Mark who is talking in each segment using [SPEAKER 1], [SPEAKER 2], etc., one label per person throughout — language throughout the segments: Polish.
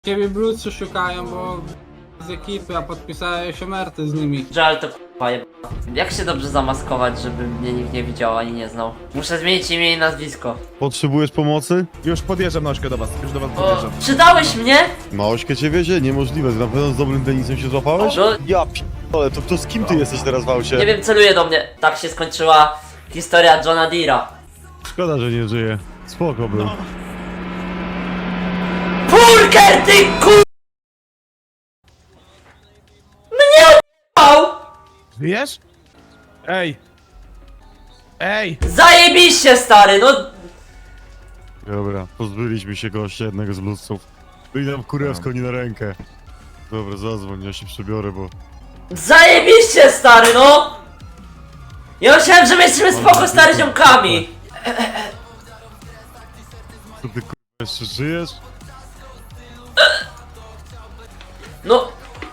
[SPEAKER 1] Ciebie Blucy szukają, bo z ekipy, a podpisałeś omerty z nimi.
[SPEAKER 2] Żal to k***a jeba. Jak się dobrze zamaskować, żeby mnie nikt nie widział ani nie znał? Muszę zmienić imię i nazwisko.
[SPEAKER 3] Potrzebujesz pomocy?
[SPEAKER 4] Już podjeżdżam na ośkę do was, już do was
[SPEAKER 2] O,
[SPEAKER 4] podjeżdżam.
[SPEAKER 2] przydałeś mnie?
[SPEAKER 3] Małośkę cię wiezie? Niemożliwe, na pewno z dobrym Denisem się złapałeś?
[SPEAKER 2] No,
[SPEAKER 3] Ja p***ole, to z kim ty jesteś teraz w aucie?
[SPEAKER 2] nie wiem, celuje do mnie. Tak się skończyła historia Johna Deera.
[SPEAKER 3] Szkoda, że nie żyje. Spoko był.
[SPEAKER 2] Purker, ty kur... Mnie o***ał!
[SPEAKER 4] Żyjesz? Ej! Ej!
[SPEAKER 2] Zajebiście, stary, no...
[SPEAKER 3] Dobra, pozbyliśmy się gościa jednego z bluesów. Byli nam kurewsko nie na rękę. Dobra, zadzwoń, ja się przebiorę, bo...
[SPEAKER 2] Zajebiście, stary, no! Ja myślałem, że my jesteśmy spoko stary ziomkami.
[SPEAKER 3] Co ty kurwa jeszcze żyjesz?
[SPEAKER 2] No,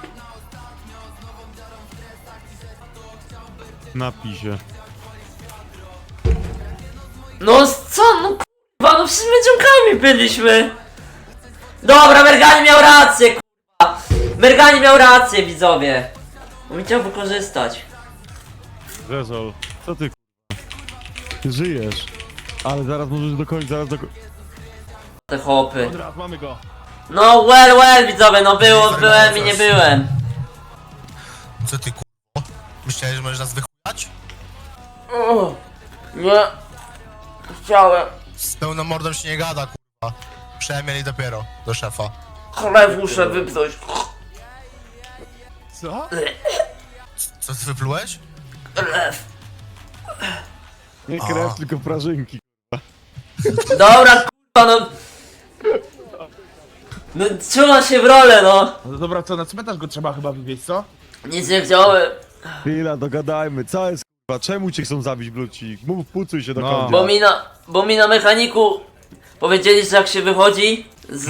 [SPEAKER 3] Napij się.
[SPEAKER 2] no co, no kurwa, no przecież my ziomkami byliśmy. Dobra, Mergani miał rację, kurwa. Mergani miał rację, widzowie. On mi chciał wykorzystać.
[SPEAKER 3] Rezol, co ty kurwa? Żyjesz. Ale zaraz możesz dokończyć, zaraz do...
[SPEAKER 2] Te hopy.
[SPEAKER 4] Od razu mamy go.
[SPEAKER 2] No well, widzowie, no byłem i nie byłem.
[SPEAKER 5] Co ty kurwa? Myślałeś, że możesz nas wychujać?
[SPEAKER 2] Nie. Chciałem.
[SPEAKER 5] Z pełną mordą się nie gada kurwa. Przemieli dopiero do szefa.
[SPEAKER 2] Chleb muszę wypchnąć.
[SPEAKER 4] Co?
[SPEAKER 5] Co ty wyplułeś?
[SPEAKER 3] Nie krew, tylko prażynki.
[SPEAKER 2] Dobra, kurwa, no. No, czułam się w rolę, no.
[SPEAKER 4] No dobra, co, na cmentarz go trzeba chyba wywieźć, co?
[SPEAKER 2] Nic nie chciałem.
[SPEAKER 3] Chwila, dogadajmy, co jest kurwa? Czemu cię chcą zabić bluci? Mów, pucuj się do
[SPEAKER 4] No.
[SPEAKER 3] końca.
[SPEAKER 2] Bo mi na mechaniku powiedzieli, że jak się wychodzi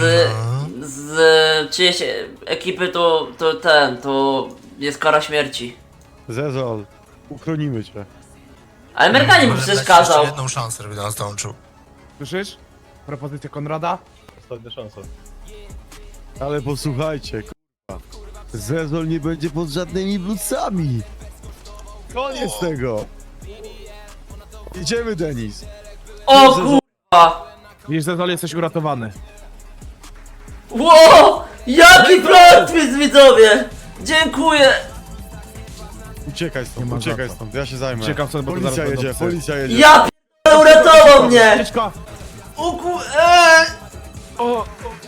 [SPEAKER 2] z czyjejś ekipy, to jest kara śmierci.
[SPEAKER 3] Zezol, uchronimy cię.
[SPEAKER 2] Ale Mergani mi
[SPEAKER 5] Może
[SPEAKER 2] przecież
[SPEAKER 5] dać ci jeszcze
[SPEAKER 2] kazał.
[SPEAKER 5] jedną szansę, żeby do nas dołączył.
[SPEAKER 4] Słyszysz? Propozycja Konrada?
[SPEAKER 3] Ostatnia szansa. Ale posłuchajcie, kurwa. Zezol nie będzie pod żadnymi blucami. Koniec tego. Idziemy, Denis.
[SPEAKER 2] O kurwa!
[SPEAKER 4] Wiesz, Zezol, jesteś uratowany.
[SPEAKER 2] Ło! Jaki plot twist, widzowie! Dziękuję!
[SPEAKER 3] Uciekaj
[SPEAKER 4] Nie
[SPEAKER 3] stąd,
[SPEAKER 4] ma
[SPEAKER 3] uciekaj
[SPEAKER 4] za co.
[SPEAKER 3] stąd, ja się zajmę.
[SPEAKER 4] Uciekam stąd, bo to
[SPEAKER 3] Policja
[SPEAKER 4] zaraz
[SPEAKER 3] jedzie,
[SPEAKER 4] będą psy.
[SPEAKER 3] policja jedzie.
[SPEAKER 2] Ja p***le, uratował mnie!
[SPEAKER 4] Ucieczka!
[SPEAKER 2] O
[SPEAKER 4] O!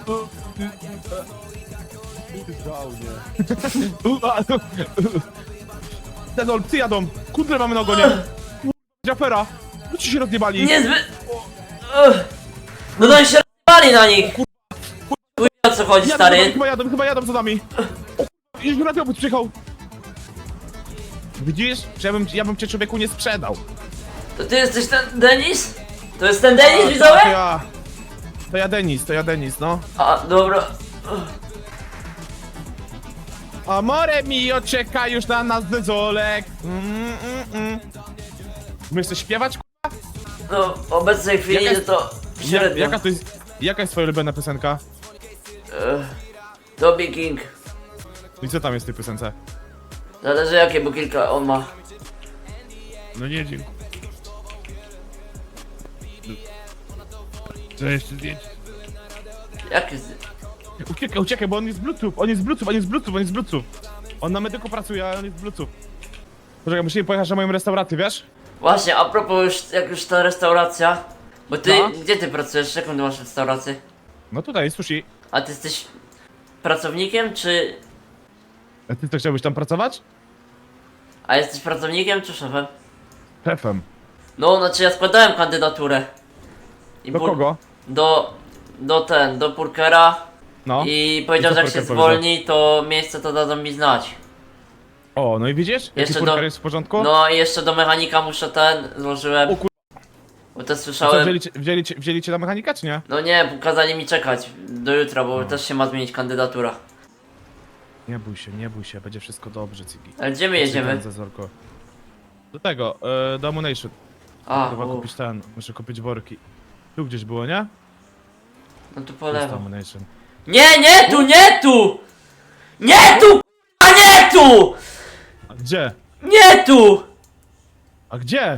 [SPEAKER 4] Zezol, psy jadą! Kundle mamy na ogonie! Jafera! Ludzie się rozjebali!
[SPEAKER 2] Niezbyt... No to oni się rozpali na nich! Chuj, o co chodzi, stary?
[SPEAKER 4] Chyba jadą za nami! O, już radiowóz przyjechał! Widzisz? Że ja bym cię człowieku nie sprzedał!
[SPEAKER 2] To ty jesteś ten Denis? To jest ten Denis, widzowie?
[SPEAKER 4] To ja Denis, no.
[SPEAKER 2] A, dobra.
[SPEAKER 4] Amore mio, czeka już na nas Zezolek! Umiesz coś śpiewać?
[SPEAKER 2] No, w obecnej chwili
[SPEAKER 4] Jaka jest-
[SPEAKER 2] to średnio.
[SPEAKER 4] Jaka jest twoja ulubiona piosenka?
[SPEAKER 2] Toby King.
[SPEAKER 4] I co tam jest w tej piosence?
[SPEAKER 2] Zależy jakie, bo kilka on ma.
[SPEAKER 4] No nie, dziękuję. Co jeszcze zdjęcie?
[SPEAKER 2] Jakie
[SPEAKER 4] Uciekaj, bo on jest Bluetooth, on jest Bluetooth. On na medyku pracuje, ale on jest Bluetooth. Poczekaj, musimy pojechać na moją restaurację, wiesz?
[SPEAKER 2] Właśnie, a propos już, jak już ta restauracja. Bo ty,
[SPEAKER 4] No.
[SPEAKER 2] gdzie ty pracujesz? Jaką ty masz restaurację?
[SPEAKER 4] No tutaj jest sushi.
[SPEAKER 2] A ty jesteś pracownikiem, czy...
[SPEAKER 4] A ty to chciałbyś tam pracować?
[SPEAKER 2] A jesteś pracownikiem, czy szefem?
[SPEAKER 4] Szefem.
[SPEAKER 2] No, znaczy ja składałem kandydaturę. I
[SPEAKER 4] Do kogo?
[SPEAKER 2] Do Purkera.
[SPEAKER 4] No.
[SPEAKER 2] I powiedział,
[SPEAKER 4] I co
[SPEAKER 2] że jak się
[SPEAKER 4] Purker powiedział?
[SPEAKER 2] zwolni, to miejsce to dadzą mi znać.
[SPEAKER 4] O, no i widzisz? Jaki
[SPEAKER 2] Jeszcze
[SPEAKER 4] furker
[SPEAKER 2] do-
[SPEAKER 4] jest w porządku?
[SPEAKER 2] No i jeszcze do mechanika muszę złożyłem.
[SPEAKER 4] O kur-
[SPEAKER 2] Bo też
[SPEAKER 4] A co,
[SPEAKER 2] słyszałem.
[SPEAKER 4] wzięli cię na mechanika, czy nie?
[SPEAKER 2] No nie, kazali mi czekać do jutra, bo też się ma zmienić kandydatura.
[SPEAKER 4] Nie bój się, będzie wszystko dobrze, Cigi.
[SPEAKER 2] Ale gdzie my jedziemy?
[SPEAKER 4] Zezorko. Do tego, do Ammunition.
[SPEAKER 2] A,
[SPEAKER 4] Trzeba kupić muszę kupić worki. Tu gdzieś było, nie?
[SPEAKER 2] no tu po
[SPEAKER 4] Jest
[SPEAKER 2] lewo.
[SPEAKER 4] Ammunition.
[SPEAKER 2] Nie, nie tu, nie tu! Nie tu, a nie tu!
[SPEAKER 4] A gdzie?
[SPEAKER 2] Nie tu!
[SPEAKER 4] A gdzie?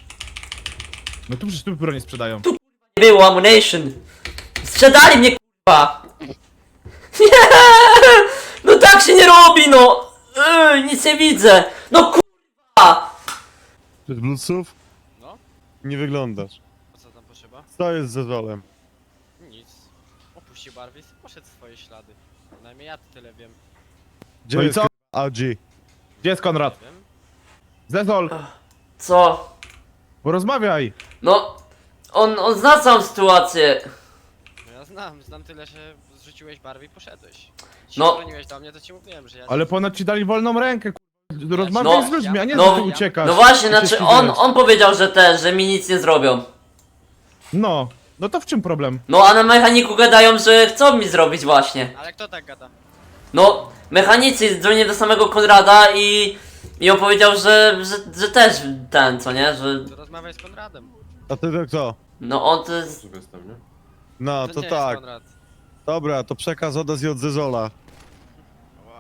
[SPEAKER 4] No tu przecież tu broń sprzedają.
[SPEAKER 2] Nie było ammunition. Sprzedali mnie, kurwa. Nie! No tak się nie robi, no! Nic nie widzę. No kurwa!
[SPEAKER 3] Bez bluesów?
[SPEAKER 6] No.
[SPEAKER 3] Nie wyglądasz.
[SPEAKER 6] A co tam potrzeba?
[SPEAKER 3] Co jest z Zezolem?
[SPEAKER 6] Nic. Opuścił Barwis i poszedł w swoje ślady. Przynajmniej ja tyle wiem.
[SPEAKER 3] Gdzie
[SPEAKER 4] No i
[SPEAKER 3] jest
[SPEAKER 4] co?
[SPEAKER 3] AG?
[SPEAKER 4] Gdzie jest Konrad?
[SPEAKER 6] Nie wiem.
[SPEAKER 4] Zezol,
[SPEAKER 2] Co?
[SPEAKER 4] porozmawiaj.
[SPEAKER 2] No... On zna całą sytuację.
[SPEAKER 6] No ja znam tyle, że zrzuciłeś barwy i poszedłeś.
[SPEAKER 2] No.
[SPEAKER 6] No. Dzwoniłeś do mnie, to ci mówiłem, że ja...
[SPEAKER 4] Ale ponoć ci dali wolną rękę, rozmawiaj
[SPEAKER 2] No.
[SPEAKER 4] z ludźmi, a nie
[SPEAKER 2] No.
[SPEAKER 4] że ty uciekasz.
[SPEAKER 2] No właśnie,
[SPEAKER 4] I się
[SPEAKER 2] znaczy
[SPEAKER 4] wstydzisz.
[SPEAKER 2] on powiedział, że mi nic nie zrobią.
[SPEAKER 4] No, no to w czym problem?
[SPEAKER 2] No a na mechaniku gadają, że chcą mi zrobić właśnie.
[SPEAKER 6] Ale kto tak gada?
[SPEAKER 2] No, mechanicy dzwonię do samego Konrada i on powiedział, że też ten, co nie, że...
[SPEAKER 6] To rozmawiaj z Konradem.
[SPEAKER 3] A ty to kto?
[SPEAKER 2] No on to jest...
[SPEAKER 3] No, to
[SPEAKER 6] nie
[SPEAKER 3] tak.
[SPEAKER 6] Jest Konrad.
[SPEAKER 3] Dobra, to przekaz od nas i od Zezola.
[SPEAKER 6] Ła.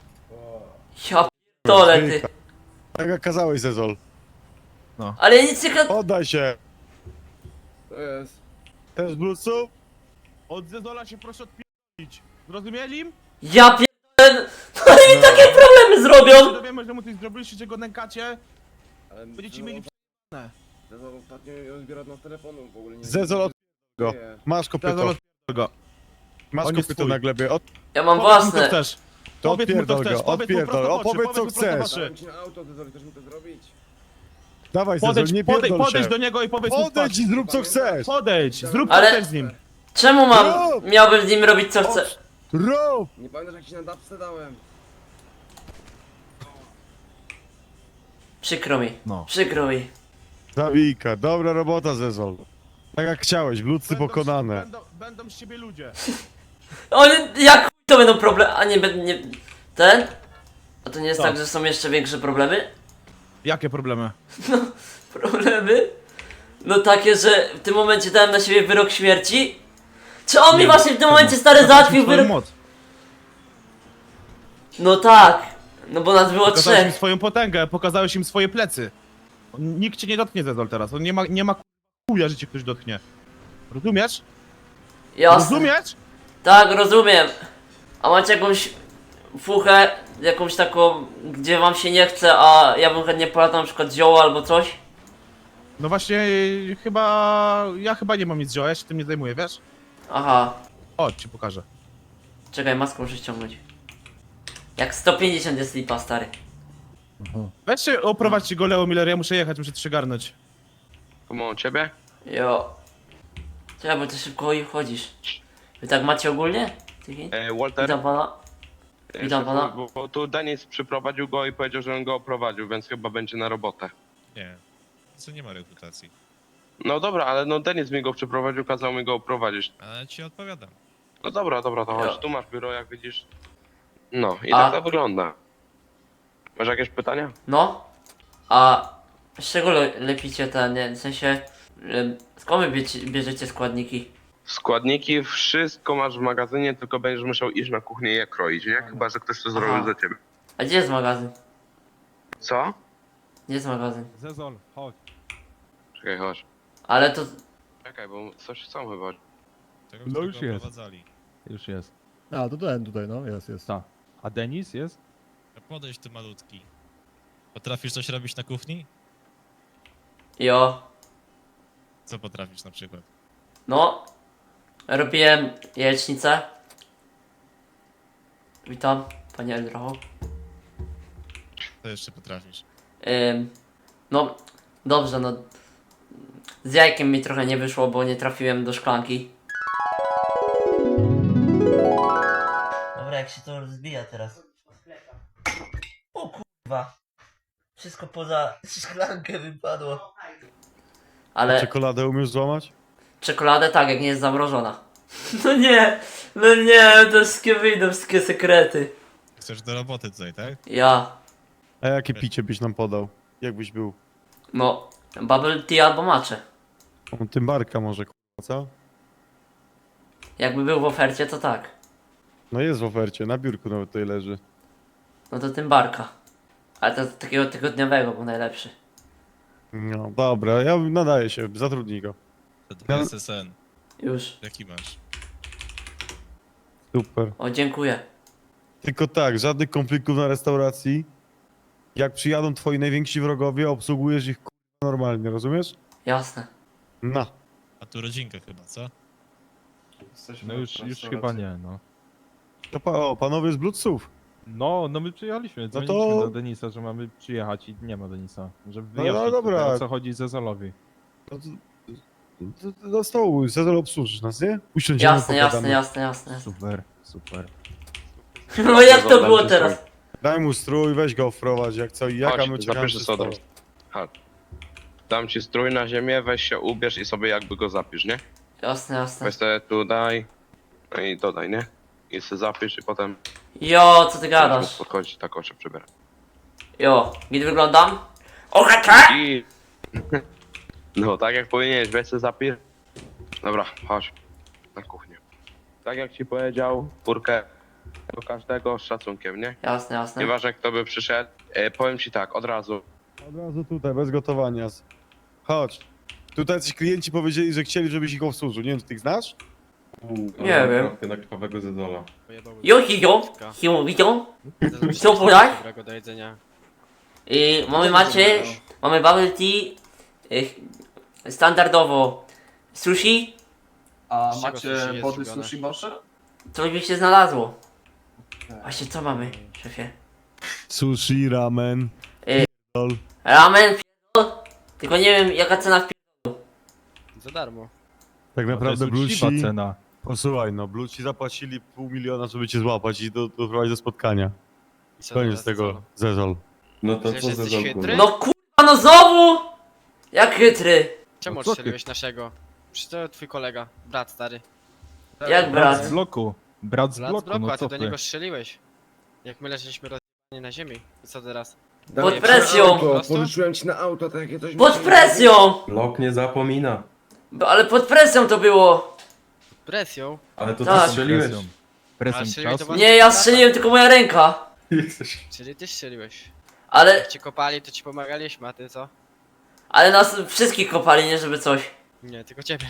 [SPEAKER 2] Ja p***dolę, ty.
[SPEAKER 3] Tak jak kazałeś, Zezol.
[SPEAKER 2] Ale ja nic nie...
[SPEAKER 3] Oddaj się!
[SPEAKER 1] To jest.
[SPEAKER 3] Też bluesów?
[SPEAKER 4] Od Zezola się proszę odpić. Zrozumieli?
[SPEAKER 2] Ja pierdolę... No i mi takie problemy
[SPEAKER 4] Się
[SPEAKER 2] zrobią!
[SPEAKER 4] dowiemy, że mu coś zrobiliście, że go nękacie.
[SPEAKER 7] Ale
[SPEAKER 4] Będziecie mieli
[SPEAKER 7] Zezol ostatnio nie odbiera od nas telefonu, w ogóle nie...
[SPEAKER 3] Zezol, od go.
[SPEAKER 7] Nie.
[SPEAKER 3] Masz
[SPEAKER 4] Zezol
[SPEAKER 3] kopyto.
[SPEAKER 4] odpierdol go.
[SPEAKER 3] Masz
[SPEAKER 4] on jest
[SPEAKER 3] kopyto
[SPEAKER 4] twój.
[SPEAKER 3] na glebie.
[SPEAKER 2] Ja mam
[SPEAKER 4] Powiedz mu, co
[SPEAKER 2] własne.
[SPEAKER 4] chcesz.
[SPEAKER 3] To
[SPEAKER 4] Powiedz mu, co
[SPEAKER 3] odpierdol
[SPEAKER 4] chcesz,
[SPEAKER 3] go,
[SPEAKER 4] powiedz mu
[SPEAKER 3] odpierdol.
[SPEAKER 4] prosto w oczy,
[SPEAKER 3] Opowiedz co
[SPEAKER 4] powiedz mu prosto w
[SPEAKER 3] chcesz.
[SPEAKER 4] oczy.
[SPEAKER 7] Dałem ci na auto, Zezol, chcesz mi to zrobić?
[SPEAKER 3] Dawaj, Zezol, nie pierdol
[SPEAKER 4] Podejdź
[SPEAKER 3] się.
[SPEAKER 4] do niego i powiedz mu
[SPEAKER 3] Odejdź i zrób co chcesz.
[SPEAKER 4] Podejdź, zrób co
[SPEAKER 2] Ale-
[SPEAKER 4] chcesz z nim.
[SPEAKER 2] Czemu miałbym z nim robić co chcę?
[SPEAKER 3] Rób!
[SPEAKER 7] Nie pamiętasz jak ci na dapce dałem?
[SPEAKER 2] Przykro mi.
[SPEAKER 4] No.
[SPEAKER 2] Przykro mi.
[SPEAKER 3] Zawika, dobra robota, Zezol. Tak jak chciałeś, bluesy pokonane.
[SPEAKER 4] Będą z ciebie ludzie.
[SPEAKER 2] Oni, jak chuj to będą problemy... A nie... Ten? A to nie jest
[SPEAKER 4] Co?
[SPEAKER 2] tak, że są jeszcze większe problemy?
[SPEAKER 4] Jakie problemy?
[SPEAKER 2] Problemy? No takie, że w tym momencie dałem na siebie wyrok śmierci? Czy on mi
[SPEAKER 4] Nie,
[SPEAKER 2] właśnie w tym momencie
[SPEAKER 4] czemu?
[SPEAKER 2] stary
[SPEAKER 4] Pokaż mi
[SPEAKER 2] załatwił
[SPEAKER 4] swoją
[SPEAKER 2] wyrok?
[SPEAKER 4] moc.
[SPEAKER 2] No tak. No bo nas było
[SPEAKER 4] Pokazałeś im
[SPEAKER 2] trzech.
[SPEAKER 4] swoją potęgę, pokazałeś im swoje plecy. Nikt cię nie dotknie, Zezol, teraz. On nie ma chuja, że cię ktoś dotknie. Rozumiesz?
[SPEAKER 2] Jasne.
[SPEAKER 4] Rozumiesz?
[SPEAKER 2] Tak, rozumiem. A macie jakąś fuchę, jakąś taką, gdzie wam się nie chce, a ja bym chętnie polatał na przykład zioło albo coś?
[SPEAKER 4] No właśnie, ja chyba nie mam nic zioła, ja się tym nie zajmuję, wiesz?
[SPEAKER 2] Aha.
[SPEAKER 4] Chodź, ci pokażę.
[SPEAKER 2] Czekaj, maskę muszę ściągnąć. Jak 150 jest lipa, stary.
[SPEAKER 4] Weź się, oprowadźcie go, Leo Miller, ja muszę jechać, muszę przygarnąć.
[SPEAKER 8] Komu ciebie?
[SPEAKER 2] Jo. Czekaj, bo ty szybko i wchodzisz. Wy tak macie ogólnie? Tyki?
[SPEAKER 8] Walter?
[SPEAKER 2] Witam pana. Witam pana.
[SPEAKER 8] Bo tu Denis przyprowadził go i powiedział, że on go oprowadził, więc chyba będzie na robotę.
[SPEAKER 9] Nie, co nie ma reputacji.
[SPEAKER 8] No dobra, ale no Denis mi go przyprowadził, kazał mi go oprowadzić.
[SPEAKER 9] Ale ci odpowiadam.
[SPEAKER 8] No dobra, to
[SPEAKER 2] Ja.
[SPEAKER 8] chodź, tu masz biuro, jak widzisz. No i
[SPEAKER 2] A-
[SPEAKER 8] tak to wygląda. Masz jakieś pytania?
[SPEAKER 2] No. A z czego lepicie ten, nie? W sensie... Skąd wy bierzecie składniki?
[SPEAKER 8] Składniki, wszystko masz w magazynie, tylko będziesz musiał iść na kuchnię i je kroić, nie? Chyba, że ktoś to zrobił
[SPEAKER 2] Aha.
[SPEAKER 8] za ciebie.
[SPEAKER 2] A gdzie jest magazyn?
[SPEAKER 8] Co?
[SPEAKER 2] Gdzie jest magazyn?
[SPEAKER 4] Zezol, chodź.
[SPEAKER 8] Czekaj, chodź.
[SPEAKER 2] Ale to...
[SPEAKER 8] Czekaj, bo coś chcą chyba.
[SPEAKER 9] Tego,
[SPEAKER 10] No
[SPEAKER 9] którego
[SPEAKER 10] już jest.
[SPEAKER 9] oprowadzali.
[SPEAKER 10] Już jest. A, to ten tutaj, no, jest.
[SPEAKER 4] Tak. A Denis jest?
[SPEAKER 9] Podejdź ty malutki. Potrafisz coś robić na kuchni?
[SPEAKER 2] Jo.
[SPEAKER 9] Co potrafisz na przykład?
[SPEAKER 2] No. Robiłem jajecznicę. Witam, panie Eldrocho.
[SPEAKER 9] Co jeszcze potrafisz?
[SPEAKER 2] No, dobrze, no. Z jajkiem mi trochę nie wyszło, bo nie trafiłem do szklanki. Dobra, jak się to rozbija teraz. O kurwa. Wszystko poza szklankę wypadło. Ale
[SPEAKER 3] Czekoladę umiesz złamać?
[SPEAKER 2] czekoladę tak, jak nie jest zamrożona. No nie, to wszystkie wyjdą, wszystkie sekrety.
[SPEAKER 9] Chcesz do roboty tutaj, tak?
[SPEAKER 2] Ja,
[SPEAKER 3] A jakie picie byś nam podał? Jakbyś był?
[SPEAKER 2] no, bubble tea albo matcha.
[SPEAKER 3] On tym barka może, co?
[SPEAKER 2] Jakby był w ofercie, to tak.
[SPEAKER 3] No jest w ofercie, na biurku nawet tutaj leży.
[SPEAKER 2] No to tym barka. Ale to takiego tygodniowego był najlepszy.
[SPEAKER 3] No dobra, ja nadaję się, zatrudnij go.
[SPEAKER 9] SSN.
[SPEAKER 2] Już.
[SPEAKER 9] Jaki masz?
[SPEAKER 3] Super.
[SPEAKER 2] O, dziękuję.
[SPEAKER 3] Tylko tak, żadnych konfliktów na restauracji. Jak przyjadą twoi najwięksi wrogowie, obsługujesz ich normalnie, rozumiesz?
[SPEAKER 2] Jasne.
[SPEAKER 3] No.
[SPEAKER 9] A tu rodzinka chyba, co?
[SPEAKER 4] No już chyba nie, no.
[SPEAKER 3] To panowie z Bluetoothów.
[SPEAKER 4] No my przyjechaliśmy, dzwoniliśmy
[SPEAKER 3] to-
[SPEAKER 4] do Denisa, że mamy przyjechać i nie ma Denisa. Żeby
[SPEAKER 3] No,
[SPEAKER 4] wyjaśnić
[SPEAKER 3] dobra.
[SPEAKER 4] tutaj, o co chodzi Zezolowi.
[SPEAKER 3] No to do stołu, Cezar obsłużysz nas, nie? Usiądziemy,
[SPEAKER 2] Jasne.
[SPEAKER 4] Super.
[SPEAKER 2] No jak to było teraz?
[SPEAKER 3] Daj mu strój, weź go wprowadź, jak co i jak, a my
[SPEAKER 8] Chodź,
[SPEAKER 3] czekamy
[SPEAKER 8] zapisz
[SPEAKER 3] przy
[SPEAKER 8] to
[SPEAKER 3] stole.
[SPEAKER 8] Chodź. Dam ci strój na ziemię, weź się ubierz i sobie jakby go zapisz, nie?
[SPEAKER 2] Jasne.
[SPEAKER 8] Weź sobie tu daj, no i dodaj, nie? I sobie zapisz i potem
[SPEAKER 2] Jo, co ty
[SPEAKER 8] będziemy
[SPEAKER 2] gadasz?
[SPEAKER 8] podchodzić, tak o się przybieram.
[SPEAKER 2] Jo, gdzie wyglądam? OHT!
[SPEAKER 8] I... No, tak jak powinieneś, weź sobie zapisz. Dobra, chodź na kuchnię. Tak jak ci powiedział, furkę do każdego z szacunkiem, nie?
[SPEAKER 2] Jasne.
[SPEAKER 8] Nieważne kto by przyszedł, powiem ci tak, od razu.
[SPEAKER 3] Od razu tutaj, bez gotowania. Chodź. Tutaj ci klienci powiedzieli, że chcieli, żebyś ich obsłużył. Nie wiem, czy ty ich znasz?
[SPEAKER 2] Nie wiem.
[SPEAKER 7] Na krwawego Zedola.
[SPEAKER 2] Jo. Co podać?
[SPEAKER 6] Dobrego do jedzenia.
[SPEAKER 2] I mamy bubble tea, standardowo sushi,
[SPEAKER 6] A macie wody sushi
[SPEAKER 7] może?
[SPEAKER 2] coś by się znalazło. Właśnie co mamy, szefie?
[SPEAKER 3] Sushi, ramen.
[SPEAKER 2] Ramen, tylko nie wiem jaka cena w
[SPEAKER 6] Za darmo.
[SPEAKER 3] Tak
[SPEAKER 4] No,
[SPEAKER 3] naprawdę
[SPEAKER 4] to jest uczciwa
[SPEAKER 3] Blueci...
[SPEAKER 4] cena.
[SPEAKER 3] Posłuchaj, no, Blueci zapłacili $500 000, żeby cię złapać i doprowadzić do spotkania.
[SPEAKER 6] I co
[SPEAKER 3] Koniec
[SPEAKER 6] teraz,
[SPEAKER 3] tego,
[SPEAKER 6] co?
[SPEAKER 3] Zezol.
[SPEAKER 7] No to
[SPEAKER 6] Przecież
[SPEAKER 7] co
[SPEAKER 6] jesteś
[SPEAKER 7] Zedol?
[SPEAKER 6] chytry?
[SPEAKER 2] No kurwa, no znowu! Jak chytry?
[SPEAKER 6] Czemu
[SPEAKER 4] No co ty?
[SPEAKER 6] odstrzeliłeś naszego? Przecież to twój kolega, brat stary.
[SPEAKER 2] Jak
[SPEAKER 4] Brat z
[SPEAKER 2] brat?
[SPEAKER 4] bloku. Brat z
[SPEAKER 6] Brat z
[SPEAKER 4] bloku,
[SPEAKER 6] bloku,
[SPEAKER 4] no
[SPEAKER 6] a ty
[SPEAKER 4] co
[SPEAKER 6] do
[SPEAKER 4] ty?
[SPEAKER 6] niego strzeliłeś. Jak my leżeliśmy rozjebani na ziemi. I co teraz?
[SPEAKER 2] Pod presją!
[SPEAKER 7] Pożyczyłem ci na auto, takie coś...
[SPEAKER 2] Pod presją!
[SPEAKER 7] Blok nie zapomina.
[SPEAKER 2] Ale pod presją to było!
[SPEAKER 6] Presją?
[SPEAKER 7] Ale to
[SPEAKER 2] Tak.
[SPEAKER 7] ty strzeliłeś.
[SPEAKER 6] Ale
[SPEAKER 4] Presją
[SPEAKER 6] strzeliłeś
[SPEAKER 4] czasu.
[SPEAKER 6] do was-
[SPEAKER 2] Nie, ja strzeliłem tylko moja ręka.
[SPEAKER 6] Czyli ty strzeliłeś.
[SPEAKER 2] Ale,
[SPEAKER 6] Jak cię kopali, to ci pomagaliśmy, a ty co?
[SPEAKER 2] ale nas wszystkich kopali, nie żeby coś.
[SPEAKER 6] Nie, tylko ciebie.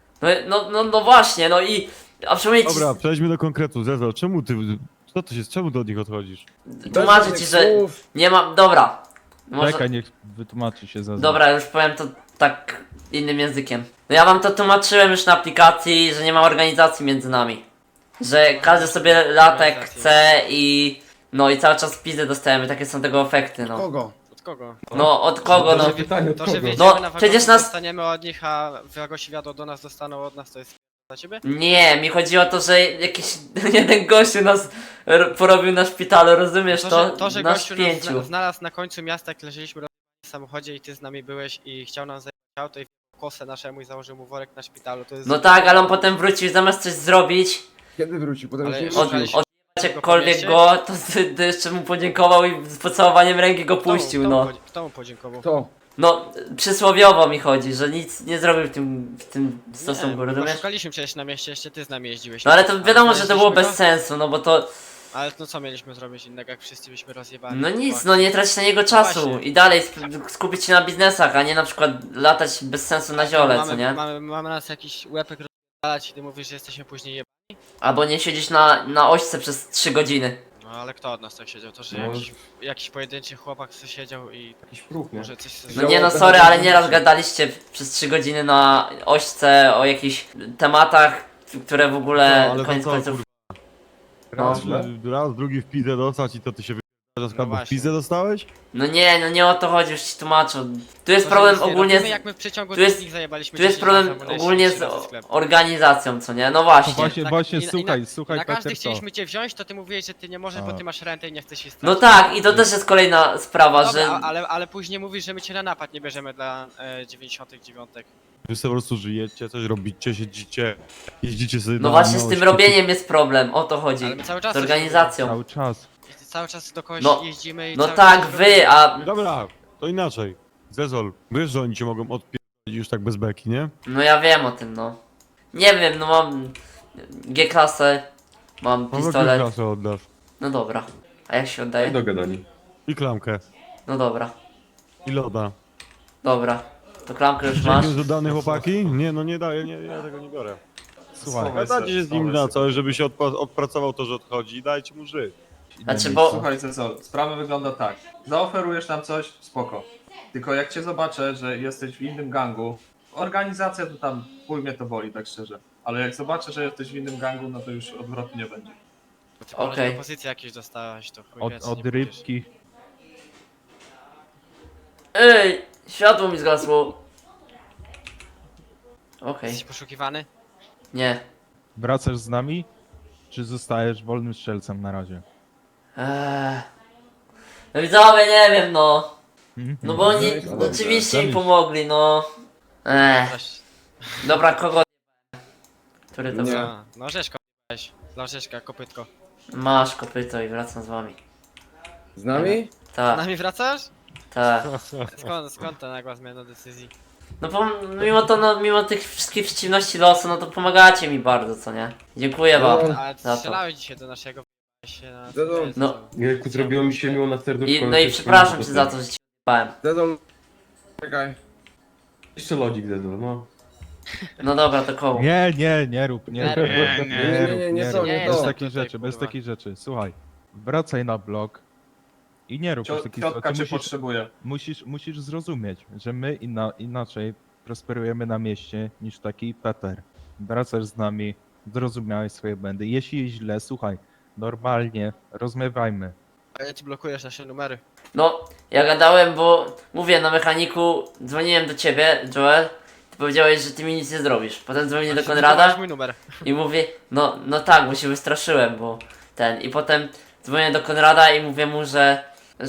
[SPEAKER 2] No właśnie, no i... A przypomnieć
[SPEAKER 3] Dobra, przejdźmy do konkretu. Zezol, czemu ty... Co to się... Czemu do nich odchodzisz?
[SPEAKER 2] tłumaczę ci, że nie mam... Dobra. Może...
[SPEAKER 4] Czekaj, niech wytłumaczy się za.
[SPEAKER 2] Dobra, już powiem to tak innym językiem. No ja wam to tłumaczyłem już na aplikacji, że nie ma organizacji między nami. Że każdy sobie lata jak chce i... No i cały czas pizdę dostajemy, takie są tego efekty, no.
[SPEAKER 7] Kogo?
[SPEAKER 6] Od kogo?
[SPEAKER 2] No od kogo, no?
[SPEAKER 7] Pytanie od
[SPEAKER 6] To, że
[SPEAKER 7] kogo?
[SPEAKER 6] wiedziemy
[SPEAKER 2] No,
[SPEAKER 6] na
[SPEAKER 2] przecież
[SPEAKER 6] przecież
[SPEAKER 2] nas-
[SPEAKER 6] dostaniemy od nich, a Wagosi wiadomo do nas dostaną od nas, to jest dla ciebie?
[SPEAKER 2] Nie, mi chodzi o to, że jakiś jeden gościu nas porobił na szpitalu, rozumiesz to?
[SPEAKER 6] że
[SPEAKER 2] Na
[SPEAKER 6] gościu nas
[SPEAKER 2] spięciu.
[SPEAKER 6] znalazł na końcu miasta, jak leżeliśmy w samochodzie i ty z nami byłeś i chciał nam zajebać auto i w kosę naszemu i założył mu worek na szpitalu, to jest...
[SPEAKER 2] No tak, ale on potem wrócił zamiast coś zrobić,
[SPEAKER 7] Kiedy wróci? Potem
[SPEAKER 6] Ale
[SPEAKER 7] się
[SPEAKER 6] już
[SPEAKER 2] od,
[SPEAKER 6] szukaliśmy
[SPEAKER 2] od
[SPEAKER 6] go
[SPEAKER 2] jakkolwiek
[SPEAKER 6] po mieście?
[SPEAKER 2] go, to jeszcze mu podziękował i z pocałowaniem ręki go puścił, no.
[SPEAKER 6] Kto mu podziękował?
[SPEAKER 7] To.
[SPEAKER 2] No, przysłowiowo mi chodzi, że nic nie zrobił w tym stosunku,
[SPEAKER 6] Nie,
[SPEAKER 2] rozumiesz?
[SPEAKER 6] szukaliśmy przecież na mieście, jeszcze ty z nami jeździłeś.
[SPEAKER 2] No ale to wiadomo, że to było bez
[SPEAKER 6] znaleźliśmy
[SPEAKER 2] sensu, no bo to...
[SPEAKER 6] go? Ale no co mieliśmy zrobić innego, jak wszyscy byśmy rozjebali?
[SPEAKER 2] No nic,
[SPEAKER 6] Chłopaki.
[SPEAKER 2] no nie trać na niego czasu
[SPEAKER 6] właśnie.
[SPEAKER 2] i dalej skupić się na biznesach, a nie na przykład latać bez sensu na ziole, co nie?
[SPEAKER 6] Mamy nas jakiś łepek rozjebać i ty mówisz, że jesteśmy później jebani?
[SPEAKER 2] Albo nie siedzieć na ośce przez 3 godziny.
[SPEAKER 6] No ale kto od nas tak siedział? To, że
[SPEAKER 7] No.
[SPEAKER 6] jakiś pojedynczy chłopak co siedział i
[SPEAKER 7] Jakiś próg, nie?
[SPEAKER 6] może coś...
[SPEAKER 2] No nie no, sorry, ale nieraz gadaliście przez 3 godziny na ośce o jakichś tematach, które w
[SPEAKER 3] No,
[SPEAKER 2] ogóle
[SPEAKER 3] ale to
[SPEAKER 2] koniec
[SPEAKER 3] co,
[SPEAKER 2] końców...
[SPEAKER 3] Raz,
[SPEAKER 2] No.
[SPEAKER 3] raz, drugi w pizdę dostać i to ty się wyglądasz,
[SPEAKER 6] No
[SPEAKER 3] w
[SPEAKER 6] właśnie.
[SPEAKER 3] pizdę dostałeś?
[SPEAKER 2] No nie o to chodzi, już ci tłumaczę. Tu jest
[SPEAKER 6] To, że
[SPEAKER 2] problem
[SPEAKER 6] nic nie
[SPEAKER 2] ogólnie
[SPEAKER 6] robimy,
[SPEAKER 2] z...
[SPEAKER 6] jak my w przeciągu
[SPEAKER 2] tu jest-
[SPEAKER 6] dwóch dni zajebaliśmy
[SPEAKER 2] Tu jest
[SPEAKER 6] 10
[SPEAKER 2] problem
[SPEAKER 6] razy amunicję,
[SPEAKER 2] ogólnie
[SPEAKER 6] 3
[SPEAKER 2] z
[SPEAKER 6] razy sklep.
[SPEAKER 2] organizacją, co nie? No właśnie.
[SPEAKER 4] Właśnie,
[SPEAKER 6] I
[SPEAKER 4] słuchaj,
[SPEAKER 6] na każdy
[SPEAKER 4] Peter, co?
[SPEAKER 6] chcieliśmy cię wziąć, to ty mówiłeś, że ty nie możesz, bo
[SPEAKER 3] A.
[SPEAKER 6] ty masz rentę i nie chcesz się stać.
[SPEAKER 2] No tak, i to też jest kolejna sprawa,
[SPEAKER 6] Dobra,
[SPEAKER 2] że...
[SPEAKER 6] ale później mówisz, że my cię na napad nie bierzemy dla 99.
[SPEAKER 3] Wy sobie po prostu żyjecie, coś robicie, siedzicie, jeździcie sobie
[SPEAKER 2] No
[SPEAKER 3] na
[SPEAKER 2] właśnie z tym
[SPEAKER 3] ośki,
[SPEAKER 2] robieniem jest problem, o to chodzi.
[SPEAKER 6] Ale my cały czas
[SPEAKER 2] Z
[SPEAKER 6] coś
[SPEAKER 2] organizacją.
[SPEAKER 4] Cały czas.
[SPEAKER 6] Cały czas do kogoś
[SPEAKER 2] No,
[SPEAKER 6] jeździmy i
[SPEAKER 2] No
[SPEAKER 6] cały
[SPEAKER 2] tak,
[SPEAKER 6] czas
[SPEAKER 2] wy, a...
[SPEAKER 3] Dobra, to inaczej. Zezol, wiesz, że oni cię mogą odpierdolić już tak bez beki, nie?
[SPEAKER 2] No ja wiem o tym, no. Nie wiem, no mam G-klasę, Mam
[SPEAKER 3] Mam jakieś
[SPEAKER 2] pistolet.
[SPEAKER 3] kasę oddasz.
[SPEAKER 2] No dobra. A jak się oddaje?
[SPEAKER 7] Dogadani.
[SPEAKER 3] I klamkę.
[SPEAKER 2] No dobra.
[SPEAKER 3] I loda.
[SPEAKER 2] Dobra. To klamkę już masz.
[SPEAKER 3] Jakieś dodane chłopaki? Nie, no nie daję, nie, ja tego nie biorę.
[SPEAKER 4] Słuchaj,
[SPEAKER 3] Gadajcie się z nim na coś, żeby się odpracował to, że odchodzi i dajcie mu żyć.
[SPEAKER 2] Znaczy, bo...
[SPEAKER 11] Słuchaj Cezol, sprawa wygląda tak. Zaoferujesz nam coś, spoko. Tylko jak cię zobaczę, że jesteś w innym gangu, organizacja to tam chuj mnie to boli, tak szczerze. Ale jak zobaczę, że jesteś w innym gangu, no to już odwrotu nie będzie.
[SPEAKER 6] Ty
[SPEAKER 2] Okej.
[SPEAKER 6] propozycje jakieś dostałeś, to chuj wie, co
[SPEAKER 4] od
[SPEAKER 6] nie pójdziesz.
[SPEAKER 4] rybki.
[SPEAKER 2] Ej! Światło mi zgasło. Okej.
[SPEAKER 6] Jesteś poszukiwany?
[SPEAKER 2] Nie.
[SPEAKER 4] Wracasz z nami? Czy zostajesz wolnym strzelcem na razie?
[SPEAKER 2] No widzowie, nie wiem no.
[SPEAKER 4] Mhm.
[SPEAKER 2] No bo oni oczywiście mi pomogli, no.
[SPEAKER 6] Zaś-
[SPEAKER 2] Dobra, kogo... Który to był?
[SPEAKER 6] Co? No Rzeszko, weź. Dla Rzeszka, kopytko.
[SPEAKER 2] Masz kopyto i wracam z wami.
[SPEAKER 7] Z nami?
[SPEAKER 6] Z
[SPEAKER 2] Tak,
[SPEAKER 6] nami wracasz?
[SPEAKER 2] tak.
[SPEAKER 6] Skąd ta nagła zmiana decyzji?
[SPEAKER 2] No mimo to, no mimo tych wszystkich przeciwności losu, no to pomagacie mi bardzo, co nie? Dziękuję wam.
[SPEAKER 6] Ale
[SPEAKER 2] Za to.
[SPEAKER 6] strzelałeś dzisiaj do naszego się na...
[SPEAKER 7] Zezol.
[SPEAKER 2] No.
[SPEAKER 7] Jejku, zrobiło mi się miło na serduszko.
[SPEAKER 2] No i przepraszam cię za to, że ci p***ałem.
[SPEAKER 7] Zezol. Czekaj.
[SPEAKER 11] Jeszcze lodzik Zezol, no.
[SPEAKER 2] No dobra, to koło.
[SPEAKER 4] Nie rób, nie rób.
[SPEAKER 7] Nie, to, nie
[SPEAKER 4] Bez
[SPEAKER 7] to.
[SPEAKER 4] takich
[SPEAKER 6] Tutaj,
[SPEAKER 4] rzeczy, bez
[SPEAKER 6] kurwa.
[SPEAKER 4] takich rzeczy. Słuchaj, wracaj na blok i nie rób takich
[SPEAKER 11] Ciotka
[SPEAKER 4] rzeczy.
[SPEAKER 11] cię potrzebuje.
[SPEAKER 4] Musisz zrozumieć, że my inaczej prosperujemy na mieście niż taki Peter. Wracasz z nami, zrozumiałeś swoje błędy. Jeśli jest źle, słuchaj, normalnie rozmawiajmy.
[SPEAKER 6] A ja ci blokujesz nasze numery.
[SPEAKER 2] No, ja gadałem, bo mówię na mechaniku, dzwoniłem do ciebie, Joel. Ty powiedziałeś, że ty mi nic nie zrobisz. Potem dzwonię do Konrada
[SPEAKER 6] mój numer.
[SPEAKER 2] i mówię, no tak, bo się wystraszyłem, bo ten. I potem dzwonię do Konrada i mówię mu, że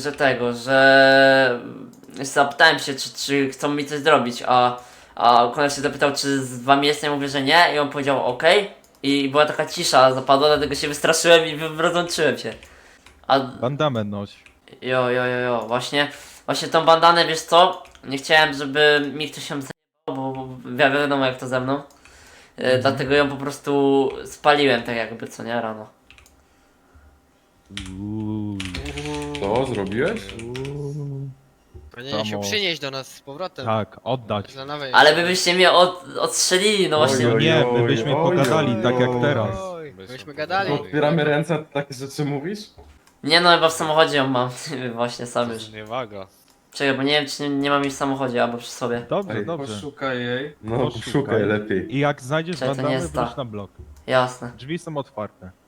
[SPEAKER 2] zapytałem się, czy chcą mi coś zrobić, a Konrad się zapytał, czy z wami jestem, ja mówię, że nie, i on powiedział okej. I była taka cisza zapadła, dlatego się wystraszyłem i rozłączyłem się. A
[SPEAKER 4] Bandamę noś.
[SPEAKER 2] jo, właśnie tą bandanę, wiesz co? Nie chciałem, żeby mi ktoś ją zajebał, bo wiadomo jak to ze mną. Dlatego ją po prostu spaliłem tak jakby, co nie, rano.
[SPEAKER 7] Co zrobiłeś?
[SPEAKER 6] Powinien się
[SPEAKER 4] Samo.
[SPEAKER 6] przynieść do nas z powrotem.
[SPEAKER 4] Tak, oddać.
[SPEAKER 6] Dla nowej
[SPEAKER 2] Ale wy byście mnie odstrzelili, no właśnie.
[SPEAKER 4] Nie, my byśmy pogadali tak jak teraz.
[SPEAKER 6] Myśmy gadali.
[SPEAKER 7] Otwieramy ręce, takie rzeczy mówisz?
[SPEAKER 2] Nie no, chyba w samochodzie ją mam, właśnie sam już.
[SPEAKER 9] Zniewaga.
[SPEAKER 2] Czekaj, bo nie wiem czy nie mam jej w samochodzie albo przy sobie.
[SPEAKER 4] Dobrze, dobrze.
[SPEAKER 11] Poszukaj jej.
[SPEAKER 7] No,
[SPEAKER 4] Poszukaj.
[SPEAKER 7] szukaj lepiej.
[SPEAKER 4] I jak znajdziesz
[SPEAKER 2] Czekaj, to nie
[SPEAKER 4] bandamę,
[SPEAKER 2] jest ta.
[SPEAKER 4] wróć na blok.
[SPEAKER 2] Jasne.
[SPEAKER 4] Drzwi są otwarte.